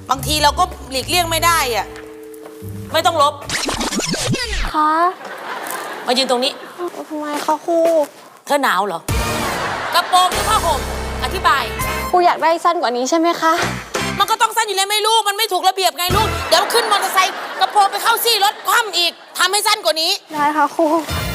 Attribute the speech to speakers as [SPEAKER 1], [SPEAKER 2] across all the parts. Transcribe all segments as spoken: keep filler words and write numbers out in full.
[SPEAKER 1] บางทีเราก็หลีกเลี่ยงไม่ได้อะไม่ต้องลบ
[SPEAKER 2] คะ
[SPEAKER 1] มายืนตรงนี้
[SPEAKER 2] ทำไมคะครู
[SPEAKER 1] เธอหนาวเหรอ กระโปรงหรือผ้าห่มอธิบาย
[SPEAKER 2] ครูอยากได้สั้นกว่านี้ใช่ไหมคะ
[SPEAKER 1] มันก็ต้องสั้นอยู่แล้วไหม่ลูกมันไม่ถูกระเบียบไงลูกเดี๋ยวขึ้นมอเตอร์ไซค์กระโปรงไปเข้าซี่รถคว่ำอีกทำให้สั้นกว่านี้
[SPEAKER 2] ได้ค่ะครู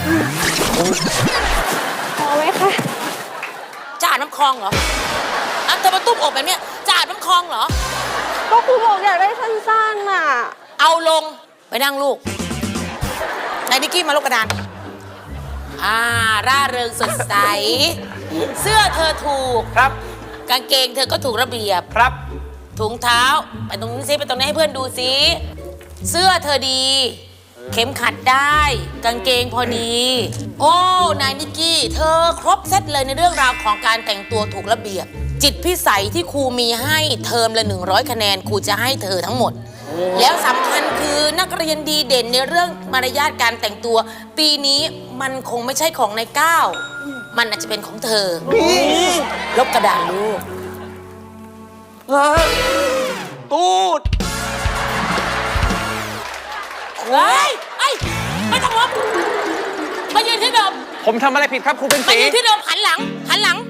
[SPEAKER 2] พอไหมคะ
[SPEAKER 1] จะอาบน้ำคลองเหรออ่ะเธอมาตุ้มอกแบบเนี้ยจะอาบน้ำคลองเหรอ
[SPEAKER 2] ก็ครูบอกอยากได้สั้นๆน่ะ
[SPEAKER 1] เอาลงไปนั่งลูกนายนิกกี้มาลูกกระดานอ่าร่าเริงสดใส เสื้อเธอถูก
[SPEAKER 3] ครับ
[SPEAKER 1] กางเกงเธอก็ถูกระเบียบ
[SPEAKER 3] ครับ
[SPEAKER 1] ถุงเท้าไปตรงนี้ซิไปตรงนี้ให้เพื่อนดูซิเสื้อเธอดี เข็มขัดได้ กางเกงพอดี โอ้นายนิกกี้เธอครบเซตเลยในเรื่องราวของการแต่งตัวถูกระเบียบ จิตพิสัยที่ครูมีให้เทอมละหนึ่งร้อยคะแนนครูจะให้เธอทั้งหมด แล้วสำคัญคือนักเรียนดีเด่นในเรื่องมารยาทการแต่งตัว ปีนี้มันคงไม่ใช่ของนายก้าวมันอาจจะเป็นของเธอลบกระดาษลูก
[SPEAKER 3] ตูด
[SPEAKER 1] เฮ้ยไอ้ยไม่ต้องลบมายืนที่เดิม
[SPEAKER 3] ผมทำอะไรผิดครับครูเป็น
[SPEAKER 1] มา
[SPEAKER 3] สี
[SPEAKER 1] ยืนที่เดิมหันหลัง หันหลัง